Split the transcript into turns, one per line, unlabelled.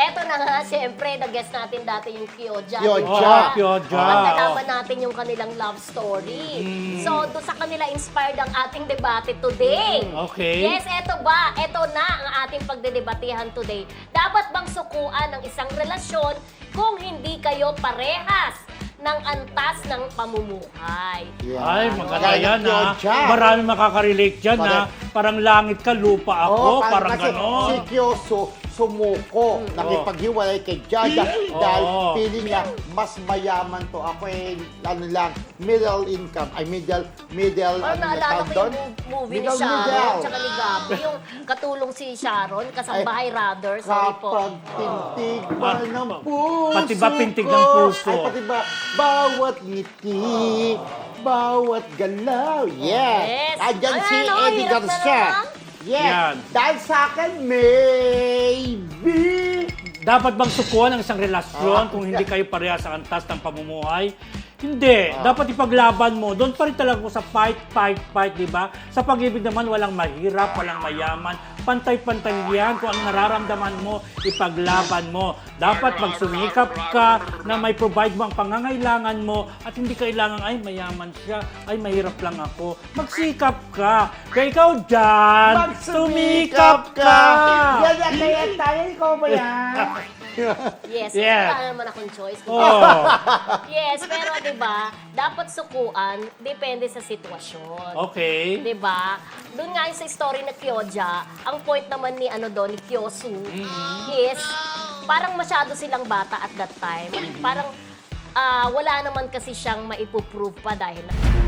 eto na nga, siyempre, na-guess natin dati yung Kyoja.
Kyoja.
Kyoja.
At nalaman natin yung kanilang love story. So, doon sa kanila inspired ang ating debate today.
Okay.
Yes, eto ba? Eto na ang ating pagdedebatehan today. Dapat bang sukuan ng isang relasyon kung hindi kayo parehas ng antas ng pamumuhay?
Yeah.
Ay, maganda
Kaya
yan, ha?
Kyoja.
Marami makakarelate dyan, ha? Parang langit ka, lupa ako,
Oo,
parang
kasi
ganon.
Si Kyoso sumuko, nakipaghiwalay kay Jaja dahil feeling niya mas mayaman to. Ako ano lang, middle income, middle,
Parang naalala ko
doon?
yung movie ni
Middle.
Sharon tsaka ni Gabi. Yung katulong si Sharon, kasambahay rather. Sorry po.
Kapag tintig ba ng puso
Pati ba pintig
ko?
ng puso?
Ay, pati ba bawat ngiti, bawat galaw.
Yes.
Andyan si
Ano,
Eddie
hirap na
Garcia.
naman.
Yes.
Yan.
Dahil sa akin, maybe.
Dapat bang sukuan ang isang relasyon kung hindi kayo pareha sa antas ng pamumuhay? Hindi. Dapat ipaglaban mo. Doon pa rin talaga sa fight, di ba? Sa pag-ibig naman, walang mahirap, walang mayaman. Pantay-pantay yan. Kung ano nararamdaman mo, ipaglaban mo. Dapat magsumikap ka na may provide mo ang pangangailangan mo at hindi kailangan, ay, mayaman siya, ay, mahirap lang ako. Magsikap ka. Kaya ikaw dyan, sumikap ka.
Yan, kaya tayo, ikaw ba yan?
Yes,
Yes.
wala naman akong choice.
Oh.
Yes, pero 'di ba, dapat sukuan depende sa sitwasyon.
Okay.
'Di ba? Doon nga yung sa story na Kyoja, ang point naman ni ni Kyosu is parang masyado silang bata at that time. Parang wala naman kasi siyang maipuprove pa dahil